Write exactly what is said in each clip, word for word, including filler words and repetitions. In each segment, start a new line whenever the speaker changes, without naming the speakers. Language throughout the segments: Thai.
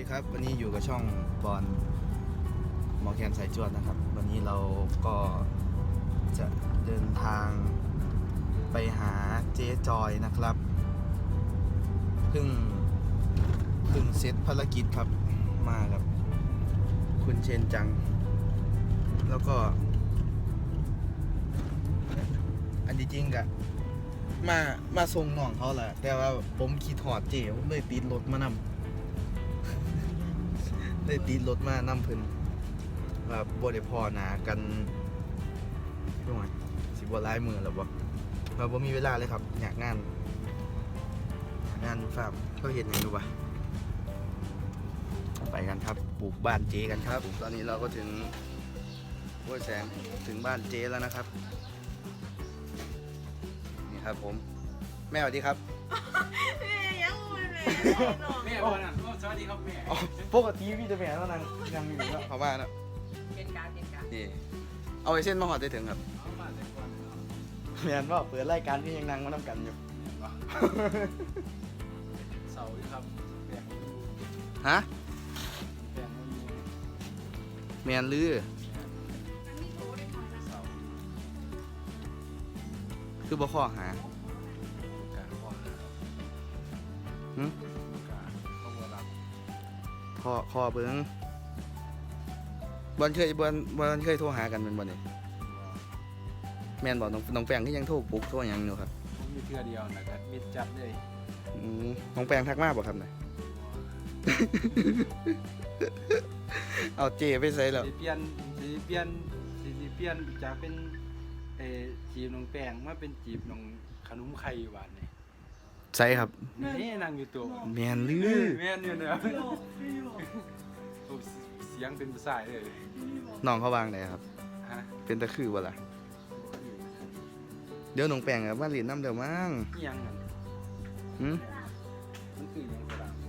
ดีครับวันนี้อยู่กับช่องบอลหมอแคนสายจวดนะครับวันนี้เราก็จะเดินทางไปหาเจ๊จอยนะครับเพิ่งเพิ่งเสร็จภารกิจครับมากับคุณเชนจังแล้วก็อันที่จริงกะมามาส่งน้องเขาแหละแต่ว่าผมขี่ถอดเจ๋ผมเลยติดรถมานำเลยติดรถมานำเพิ่นแบบบ่ได้พอหนากันช่วงสิบ่หลายมื้อแล้วบ่เราบ่มีเวลาเลยครับอยากงานงานฝากเขาเห็นให้ดูป่ะไปกันครับปลูกบ้านเจกันครับตอนนี้เราก็ถึงห้วยแสงถึงบ้านเจแล้วนะครับนี่ครับผมแม่สวัสดีครับ
แม่ยังไม่แม่
แม่บอกนะสวัสดีครับแม่
ปกติพี่จะแม่แล้วนางยังอยู่แล้วเขามาแล้ว
เป็นการเป็นการ
นี่เอาไอ้เส้นมาหอดได้ถึงครับ
เอามาแต่ก่อนเนาะ
แม่นว่าเปิดรายการพี่ยังนั่งมาทำกันอยู่
เสาอยู่ครับแปลงมันอยู่
ฮะ
แปลงมันอยู่
แมนลือ
เสา
คือบ่ข้อหา
การพ่อหา
หึ
การพ่อบัวรับ
ข้อข้อเบิ้งบอลเคยบอลบอลเคยโทรหากันเป็นบอลนี่แมนบอกน้องน้องแปงที่ยังโทรปลุกโทรหยังอยู่ครับ
ผมมีเทื่อเดียวนะครับมิดจัดเลย
อืมน้องแปงทักมาบ่ครับน่ะ เอาเจไปใส่แล้ว
สีเปลี่ยนสีเปลี่ยนสีเปลี่ยนจากเป็นเอ่อจีบน้องแป้งมาเป็นจีบน้องขนมไข่หวานนี่
ใส่ครับ
นี่นั่งอยู่ตัว
แมนลือ
แม่นอยู่เนี่ยเสียงเป็นภาษาเลย
น้องเขาวางไหนครับ
ฮะ
เป็นตะคือบ่ล่ะเดี๋ยวน้องแปงกับมาเรียนน้ำเดี๋ยวมั้ง
นี่ยังไง
หืม
มันคือยังกระดาษ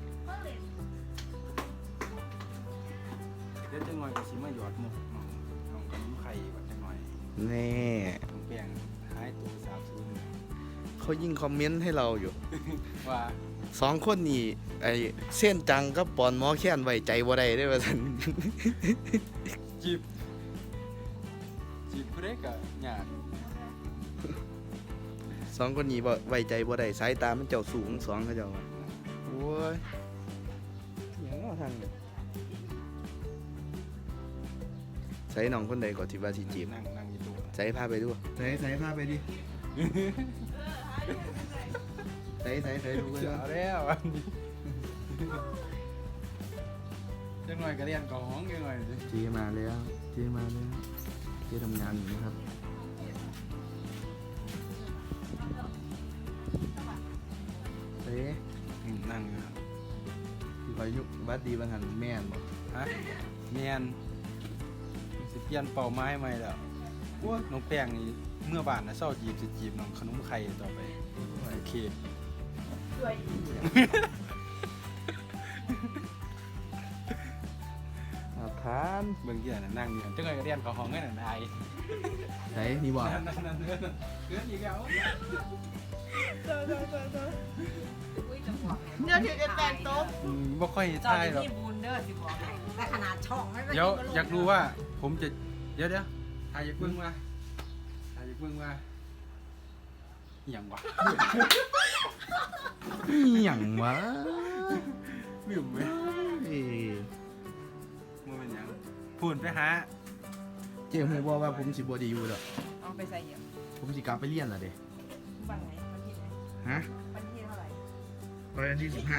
เดี๋ยวจะหน่อยก็สิมาหยอดหมกน้องน้องขนมไข่แบบจะหน่อย
แน่
น้องแป้งหายตัวสาบสูญ
เขายิ่งคอมเมนต์ให้เราอยู่
ว่า
สองคนนี่ไอเส้นจังกับปอนหมอแค้นไว้ใจบ่ได้เด้อว่าซั่น
จีบจีบผู้ใดก็ยาก
สองคนนี้บ่ไว้ใจบ่ได้สายตามันเจ้าสูงสองเขาเจ้าว่าโอ้ยหยังเนาะทางนี้ใส่น้องคนใดก็ที่ว่าสิจีบ
นั่งนั่งอยู่ตัว
ใส่พาไปดูใส่ใส่พาไปดิใส่ใส่ใส่ดูไป
เสียแล้วอันนี้จังหน่อยก็เรียนกับห้องจังหน่อยสิ
เจมาแล้วเจมาแล้วเจทำงานอยู่นะครับเอ๊ะ
อืมนั่งอยู่ครับ
ที่ไปยุวัดดีบางหันแม่นบ่
ฮะเมียนสิเปลี่ยนเป่าไม้ใหม่แล้วน้องแป้งนี่เมื่อบ้านนะเศร้าจีบสิจีบน้องขนมไข่ต่อไปโอเค
ด้วย
อาทาน
เบิ่งที่ไหนนั่งอยู่จังเลยก็เรียนเขาห้องกันนั่นไอ้
ไหนนี่บ่
นั่นนั่นนั่นนั่นเกินอีกแล้ว
เดี๋ยวถือจะแต่งโต๊ะ
อืมบ่ค่อย
จอ
ทาย
ย
หรอก
ที่บูนเดอร์สิบอกให้แต่ขนาดช่องไม่
เดี๋ยวอยากรู้ว่าผมจะเดี๋ยวเดี๋ยวทายอยากเบิ่งว่าทายอยากเบิ่งว่าอหย่างวะ
อีหยังวะ
ลืมไหม
เอ้ย
มันเป็นหยังพูดไปหา
เจ๊ฮู้บ่ว่าผมสิบ่ได้อยู่แล้ว
เอาไปใส่เหยียบ
ผมสิกลับไปเรียนแล้วเด้
วันไหนวันที่ไหน
ฮะ
วันที่เท่าไหร่
วันที่สิบห้า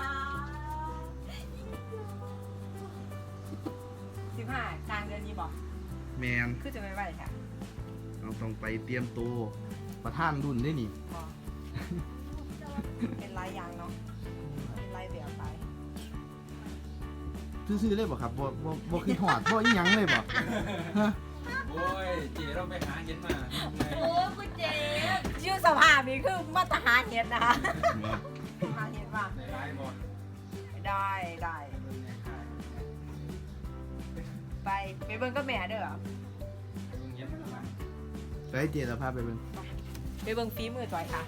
สิบห้ากลางเดือนนี้บอก
แมน
คือจะไม่ไหวค่ะ
เราต้องไปเตรียมตัวประธานรุ่นได้นี่
บอกเป็นลายยางเนาะเป็นลายแบบไป
ซื่อๆเลยบ่ครับบ่บ่บ่คือหอดบ่อีหยังเลยบ่ฮะ
โอ้ยเจ๋เราไปหาเห็นมา
โอ้คุณเจ๊ชื่อสภาพนี้คือมาตรฐานเห็ดนะคะมาเห็ดว่า
ในไลน์บ่
ได้ได้ไปไปเบิ้งก็แม่เด้อ
ลุงเย็นมา
ไปเจแล้วพาไปเบิ่ง
ไปเบิ้งฝีมือจอยค่ะ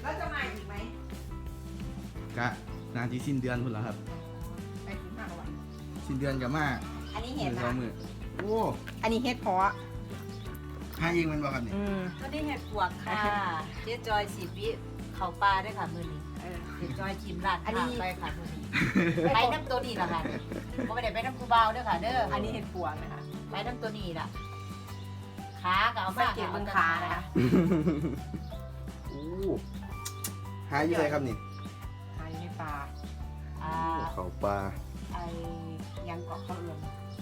แล้วจะมาอีกไหม
กะนานที่สิ้นเดือนพุ่นแล้วครับ
ไปถึงห้าวัน
สิ้นเดือนกับมา
อันนี้
ห
เห็ด
มื่นสอ
นะ
งหมื่นโอ้
อันนี้เห็ดเพาะ
หาเองมันบ่ครับนี่
อืม
ก็ได้เห็ดปวกค่ะ เจ๊จอยสิบวิเขาปลาด้วยค่ะมือนี้
เออ
เจ๊จอยชิมร้าน
อันนี้
ข้างไปค่ะมือนี้ไปน้ำตัวนี้ละค่ะก็ไม่ได้ไปน้ำกูเบาเด้อค่ะเด้อ
อั
อั
น
น
นี้
นี้
เห็ดปวงนะคะ
ไปน้ำตัวนี้ล่ะขาก็เอา
สั
มาง
เกตเบื้องขานะคะ
โอ้หาอยู่ไหนครับนี่
อันนี้ปลา
อ่า
เขาปลา
ไอ้ยังเกาะเขาเอื่อม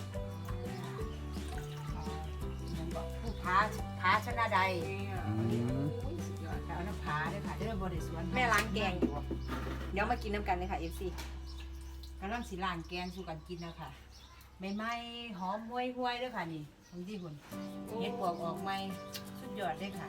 ยังเกาะผู้พ้าพ้าชนะใด
อืม
เอาน้ำผาด้วยค่ะเด้อบริสวน
แม่ล้างแกงอยู่ เดี๋ยวมากินน้ำกันเลยค่ะ เอฟซี
กำลังสิล้างแกงสู่กันกินนะคะไม่ไหม้หอมห้วยห้วยๆด้วยค่ะนี่บางที่คุณเห็ดปวกออกไหมสุดยอดเลยค่ะ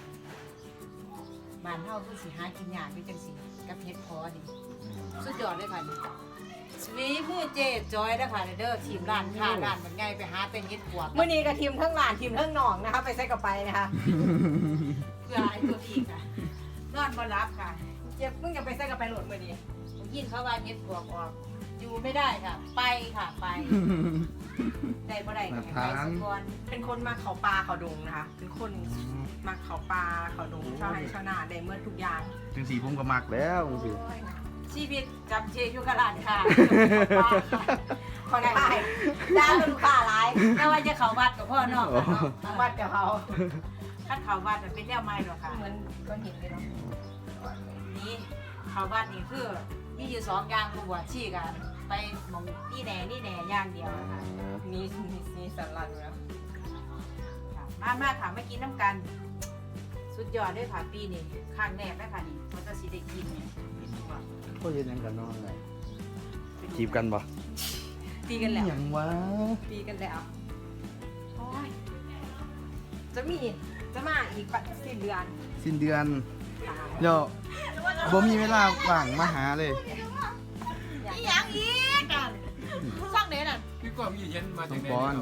บ้านเฮาคือสิหากินยากด้วยจังสิกับเห็ดพอนี่สุดยอดเลยค่ะนี่สวีมือเจ๊จอยนะคะเด้อทีมร้านค้าร้านมันไงไปหาเป็นเห็ดปวก
เมื่อนี้กับทีมทั้งหลานทีมทั้งหนองนะคะ ไปใส่กับไปนะคะ
เพื่อไอ้ตัวนี้ค่ะนอนบ่รับค่ะ
เจ็บมึงจะไปใส่กับไปโหลดมื่อนี้
ผมยินเขาว่าเห็ดปวกออกอยู่ไม่ได้ค่ะ ไปค่ะไปได้บ่ได้ก็ให้ไปสักก่อน
เป็นคนมาเขาปลาเขาดงนะคะ เป็นคนมาเขาปลาเขาดงชาวไร่ชาวนาได้เมื่อทุกอย่าง
จังสีผมก็มักแล้วจังสี
ชีวิตจำเจอยู่กับร้านค่ะ
ขอได้
ดาวลูกค้าหลายแต่ว่าจะเข้าวัดกับพ่อนอกกันเนาะ
วัดกับเขา
คัดเข้าวัดมันเป็นแนวใหม่หรอกค่ะ
เหมือนก้อนหินเลยเนาะ
นี่เข้าวัดนี่คือมีอยู่สองอย่างบวชชีกันไปหมองนี่แหน่นี่แหน่อย่างเดียวนะคะ
นี่นี่นี่สันหลังแล้ว
ค่ะมามาค่ะมากินน้ำกัน สุดยอดด้วยค่ะปีนี้ครั้งแรกได้ค่ะนี่มันจะสิได้กินเนี่ย
ก็เย็นยังกันนอนไงจีบกันบ่
ตีกันแล้ว
ยังวะ
ตีกันแล้วโอ้ยจะมีจะมาอีกปัดสิ้นเดือน
สิ้นเดือนเดี๋ยวบ่มีเวลาว่างมาหาเลย
ยังอีกกันช่องไหนน่ะ
พี่ก็มีเย็นมา
ต้
จา
อก ง
ไหน
ปอน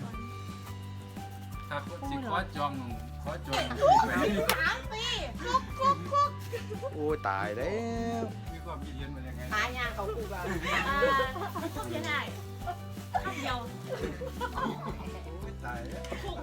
ครับสิขอจองขอจอง
โอ้ยตายแล้ว
พี่ก็มีเย็นมายังไง
หายางเขาคูแบบ
ยังไงข้าวเดียว
ตายแล้ว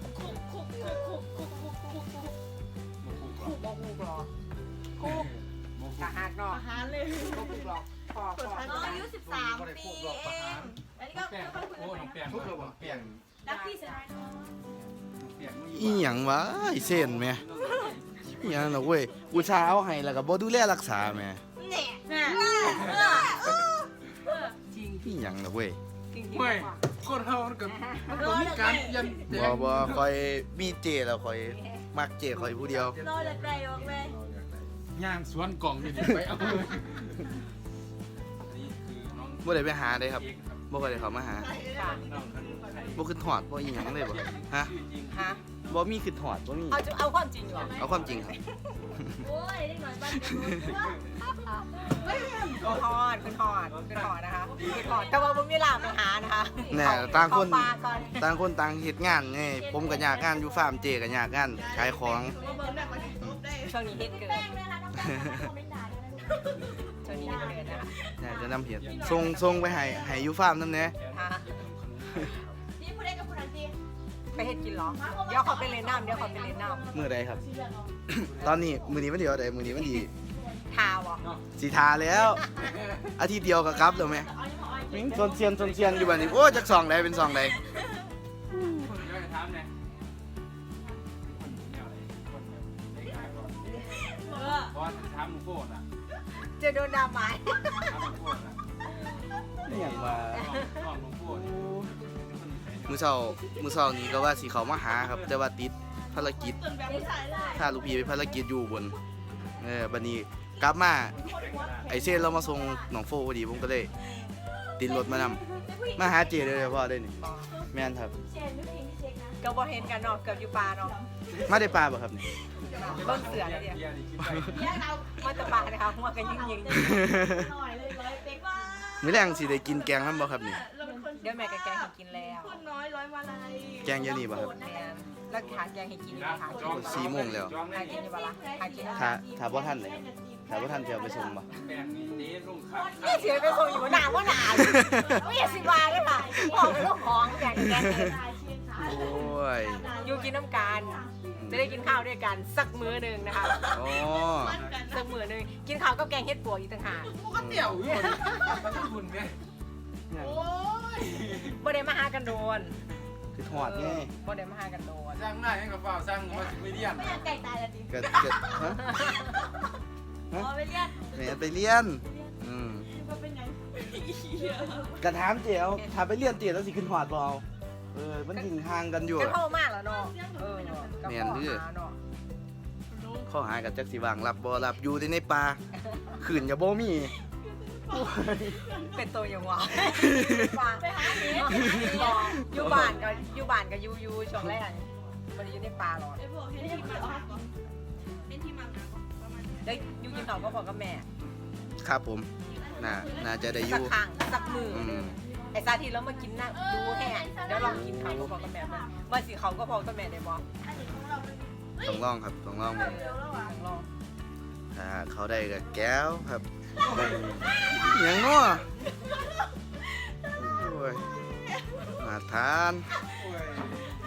คูบอคูกรอคูกกะหักเนาะ
อาหารเลย
บอคูกรอพอพอ
น้องอายุสิบสามปีเองอันนี้ก็
แป้ง
ค่อยๆคุย
โอ้น้องแป้ง
ทุกระบบ
แป้ง
รักพี่เสียดายน้อง
แป้ง
อีหยังวะไอ้เส้นแม่อีหยังน่ะเว้ยอุตส่าห์เอาให้แล้วก็บ่ดูแลรักษาแม่
เนี่ย
แม่
จริง
อีหยังน่ะเว้ย
จริงๆ
ไม่คนเฮามันก็มันก็มีการเปลี่ยนแปล
บ่
ง
บ่คอยมีเจแล้วคอยมักเจคอยผู้เดียว
รอจากใดออกเลย
ย่างสวนกล่องนี่ไปเอาเลยนี่คือน้อง
บ่ได้ไปหาเลยครับ
เค้กครับ
บ่ค่อยได้เข้ามาหา
ค่ะ
น้องขนมไข่
บ่ขึ้นถอดบ่อีหยังเลยบ่ฮะ
ชื่อจริง
ฮะ
บ่มีขึ้นถอดบ่มี
เอาจะเอาความจริงเหรอ
เอาความจริงครับ
โอ้ยได้หน่อยบ้านจะรู้
คุณทอดคุณทอดคุณทอดนะคะคุณทอดแต่ว่าผมมีเวลาไปหานะคะ
แน่ต่างคน
เข้ปลาก่อน
ต่างคนต่างเฮ็ดงานไงผมก็อยากงานอยู่ฟาร์มเจก็อยากงานขายของ
มาเบิ่งแบบมาทุบได้
ช่วงนี้ฮิตเกิน
แป้งด้วยนะน้องแป้งคอมเมนต์ด่าด้วยนะ
ช่วงนี้ฮิตเกินนะคะ
อยากจะนำเห็ดส่งส่งไปให้ให้อยู่ฟาร์มนำแหน่
ฮะ
นี่ผู้ใดกับผู้นั้นจี
ไปเฮ็ดกินเหรอ เดี๋ยวขอไปเล่นน้ำเดี๋ยวขอไปเล่นน้
มื้อใดครับ ตอนนี้มื้อนี้วันเดียวใดมื้อนี้วันดี
ำทาวอ่ะ
สิทาแล้ว อาทิตย์เดียวก็กลับแล้วแม่มิงซนเซียนซนเซียนอยู่บัดนี้โอ้จักซองใดเป็นซองใด
คนเยอะจะถามเนี่ยคนแนวไหนคนแบบได้ขายก่อน
เออ
เพราะว่าถามหลวงพ่อน่ะ
จะโดนดราม่า
ถามหลวงพ่อน่ะ
นี่หยังว่า
น้องหลวงพ่อนี่เป็นคนนิสัย
มื้อเช้ามื้อเช้านี้ก็ว่าสิเข้ามาหาครับ แต่ว่าติดภารกิจ
ส่วนแบบผู้ชายเลย
ถ้าลูกพี่ไปภารกิจอยู่บนเออบัดนี้กลับมาไอ้เส้นเรามาส่งหนองโฟพอดีผมก็เลยติดรถมานำมาหาเจเลยพ่อได้นี่แม่นครับ
เชนไม่เพลงที่เช็คนะ
ก็บ่เห็นกันเนาะเกือบอยู่ปลาเนาะ
มาได้ปลาบ่ครับนี่
เบิ่งเสือแล้วเดียว
เบียร์นี่คิดไป
แยกเรา
มาแตะปลานะคะหัวกันยิงยิง
หน่อยเลยร้อยเป๊กว่า
มื้อแรงสิได้กินแกงนำบ่ครับนี่
เราเป็นคน
เดี๋ยวแม่กับแกงให้กินแล้ว
คนน้อยร้อยมาลัย
แกงเยอะนี่ป่ะครับ
แม่นแล้วหาแกงให้กินหากิน
สี่โมงแล้ว
หากินอยู่บ่ล่ะหากิน
ถ้าถ้าบ่ทันเลยถ้าบ่ทันจะเอาไปส่งบ่
แป้งนี่เด้ลงขาด
นี่เสียไปส่งอยู่หน้าว่าหนาไม่อยากสิบาเลยค่ะบอกเป็นลูกของแกงแกง
โอ้ย
อยู่กินน้ำกันจะได้กินข้าวด้วยกันสักมื้อหนึ่งนะคะ
อ๋อ
สักมื้อหนึ่งกินข้าวกับแกงเฮ็ดปวกอีกต่างหาก
ก็เตี่ยวอยู่มันคุณไงโอ้ย
บ่ได้มาหากันโดน
คือทอดไง
บ่ได้มาหากันโดน
สร้างหน้าให้กับฝ้าสร้างมาสิไปเรียน
ไม่อยากไก่ตายละดิ
ก็ก็ฮะ
อ๋อไปเรียก
แม่ไปเรียนอืม
ว่าเป็นยัง
กระถามเจียวถ้าไปเรียนเจียวแล้วสิขึ้นหอดบ่เอาเออมันยิงห่างกันอยู่
ก็เข้ามากแล้วเนาะเออก็
แม่น
ข้อ
เด้อ
หาเนาะ
ข้อหากับจักสิวางรับบ่รับอยู่แต่ในป่าขืนอย่าบ่มี
เป็นตัวอย่างหวะ
ไปหาเห็ด
อยู่บ้านก็อยู่บ้านก็อยู่อยู่ช่วงแรกบ่ได้อยู่ในป่าหรอก
ไอ้พวกเห็ดที่มันออกเป็นที่มันนะประมาณนี้
ได้อยู่กินข้าวก็พอกับแม่
ครับผมน่าน่าจะได้อ
สัก
ยู่
ครั้งสักมือ
อื
หนึ
ม
งไอ้ซาทีแล้วมากินน่ะดูแห้งเดี๋ยวลองกินข้าวก็พอกับแม่มันว่าสิเขาก็พอกับแม่ได้บ่
อันนี้ของเราเป็น
ต้องลองครับต้องลอง
เอ
เบิ่ง
อลอง
ถ้าเขาได้ก็แก้วครับหยังเนาะโอ้ยมาทาน
โอ้ย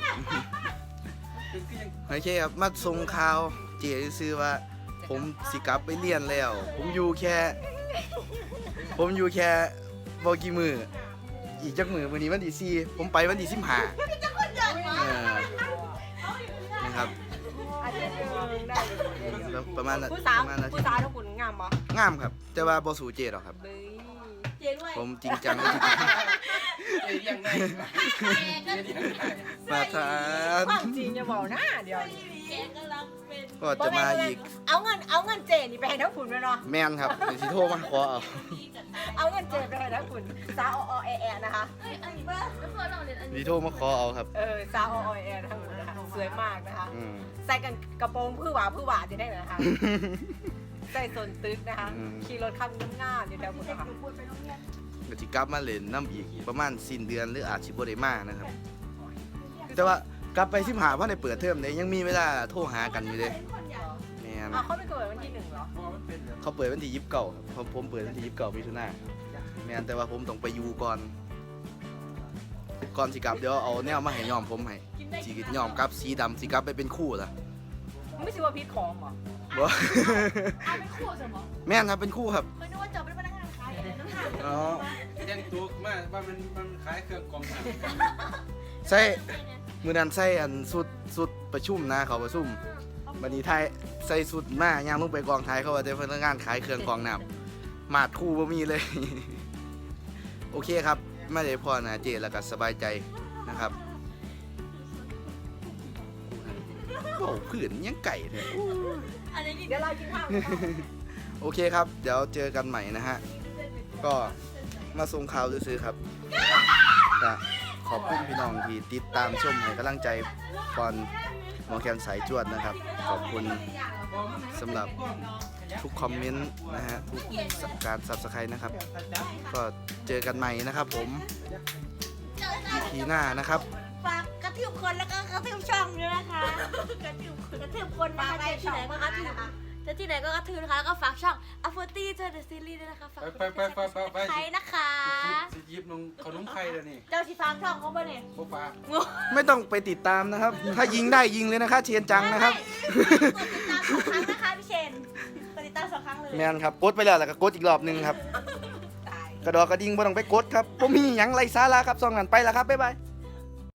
คือยัง
โอเคครับมาส่งข่าวเจีซื้อว่า ผมสิกลับไปเรียนแล้ว ผมอยู่แค่ ผมอยู่แค่บ่กี่มืออีกจักมือวันนี้วันที่สี่ผมไปวันที่สิบห้าเออนะครับ
อาทิตย์หนึงได้อยู่
แล้วประมาณนั้น
ผู้สาว
ประมาณนั้น
ผู้สาวทุกคนงามบ่
งามครับ แต่ว่าบ่สู่เจหรอกครับ
เบ้ย
เจ๊ด้วย
ผมจริงจังจริง
เรียงได้
แกก็
เรียงได้
มาทาน
ความจริงอย่าบอกนะเดี๋ยวนี้
แกก็รับเป็น
ก็จะมาอีก
เอาเงินเอาเงินเจนี่ไปให้ทั้งฝุ่นไปเนาะ
แม่นครับเดี๋ยวสิโทรมาขอเอา
พี่กับตาย
เอาเงินเจไปให้ทั้งฝุ่นสาวออแอนะคะ
เอ้ยอันนี้บ้าแล้วพอเราเรียนอัน
สิ
นี้
โทรมาขอเอาครับ
เออสาวออแอทั้งหมดนะคะสวยมากนะคะ
อืม
ใส่กันกระโปรงพื้หวาพื้หวาจะได้ไหมนะคะใส่ส่วนตึกนะคะ
อืม
ขี่รถข้ามน้ำง่ามอยู่แถวบุรีรัมย์
ก็สิกลับมาเล่นน้ำอีกประมาณสิ้นเดือนหรืออาจสิบ่ได้มานะครับ แต่ว่ากลับไปสิบหาเพราะในเปิดเทอมเนี่ยยังมีเวลาโทรหากันอยู่เลยแม่น
อ๋อเขาไม่เกิดวันที่หนึ่งเหรอ
พอมันเป็นแบบ
เขาเปิดวันที่ยี่สิบเก้าครับผมผมเปิดวันที่ยี่สิบเก้ามิถุนายนแม่นแต่ว่าผมต้องไปอยู่ก่อน ก่อนสิกลับเดี๋ยวเอาแนวมาให้ยอมผมให้สียอมกลับสีดำสีกลับไปเป็นคู่ล่ะ
ไม่ใช่ว่าพิษของเหรอ
บ่
เอาเป็นคู่สมอง
แม่นครับเป็นคู่ครับ
เคยนึกว่าจบเป็นพนักงานขายอะไรน้ำหนัก
อ๋อ
แต่งตัวมาว่ามันมันขายเครื่องกรองน้ำ
ใส่มือนั้นใส่อันสุดสุดประชุมนะเขาประชุมวันนี้ไทยใส่สุดมากย่างลงไปกองไทยเขาว่าจะพนักงานขายเครื่องกรองน้ำมาดคู่บ่มีเลย โอเคครับไม่ได้พอนะเจแล้วก็สบายใจนะครับโอ้ผื่นยังไก่เลย
อันนี้
เดี๋ยวเรากินข้าวกันต่อ
โอเคครับ เดี๋ยวเจอกันใหม่นะฮะ ก็มาส่งข่าวซื้อๆครับก็ขอบคุณพี่น้องที่ติดตามชมให้กำลังใจก่อนหมอแคนสายจวดนะครับ ขอบคุณสำหรับทุกคอมเมนต์นะฮะ ทุกการซับสไครต์นะครับ ก็เจอกันใหม่นะครับผม อี พีหน้านะครับ
ฝากกระทืบคนแล้วก็กระทืบช่องด้วยนะคะกระทืบคนกระทืบคนนะคะเจอที่ไหนก็กระทืบเจอที่ไหนก็กระทืบนะคะแล้วก็ฝากช่องอัฟเฟอร์ตี้เจอเดอะซีรีส์ด้วยนะคะฝาก
ไปไปไปไปไป
ใครนะคะ
สิยิบนงขนมไข่แล้วนี่
เจ้าที่ฟังช่องเขาบ่เนี่ย
โบ๊ะปลา
ไม่ต้องไปติดตามนะครับ ถ้ายิงได้ยิงเลยนะคะเชียนจังนะครับ
กดติดตามสองครั้งนะคะพี่เชนกดติดตามสองครั้งเลย
แมนครับกดไปแล้วแล้วก็กดอีกรอบหนึงครับ กระดอกกระดิ่งบ่ต้องไปกดครับผมมีหยังไรสาระครับซองนั้นไปแล้วครับบ๊ายบาย